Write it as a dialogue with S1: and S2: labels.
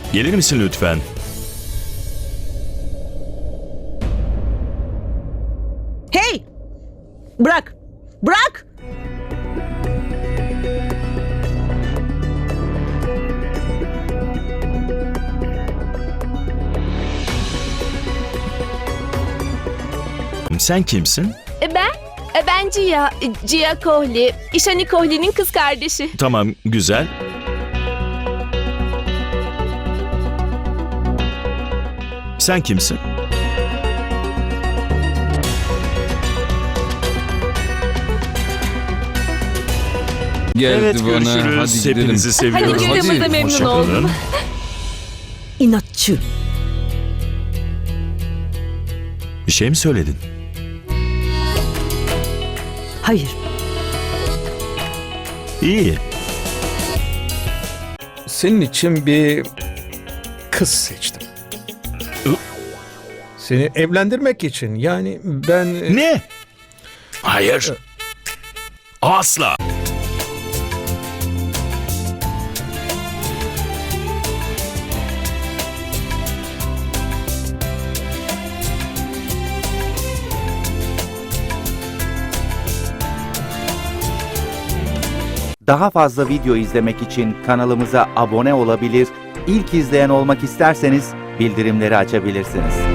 S1: Gelir misin lütfen?
S2: Hey! Bırak! Bırak!
S1: Sen kimsin?
S3: Ben Cia Kohli. İşani Kohli'nin kız kardeşi.
S1: Tamam, güzel. Sen kimsin?
S4: Geldi
S1: Evet,
S4: bana.
S1: görüşürüz.
S4: Hadi gidelim.
S1: Hepinizi seviyorum.
S3: Hadi gördüğümüzde memnun
S1: Hoşça kalın.
S3: oldum.
S2: İnatçı.
S1: Bir şey mi söyledin?
S2: Hayır.
S1: İyi.
S5: Senin için bir kız seçtim. Seni evlendirmek için. Yani ben...
S1: Ne? Hayır. Asla.
S6: Daha fazla video izlemek için kanalımıza abone olabilir, ilk izleyen olmak isterseniz bildirimleri açabilirsiniz.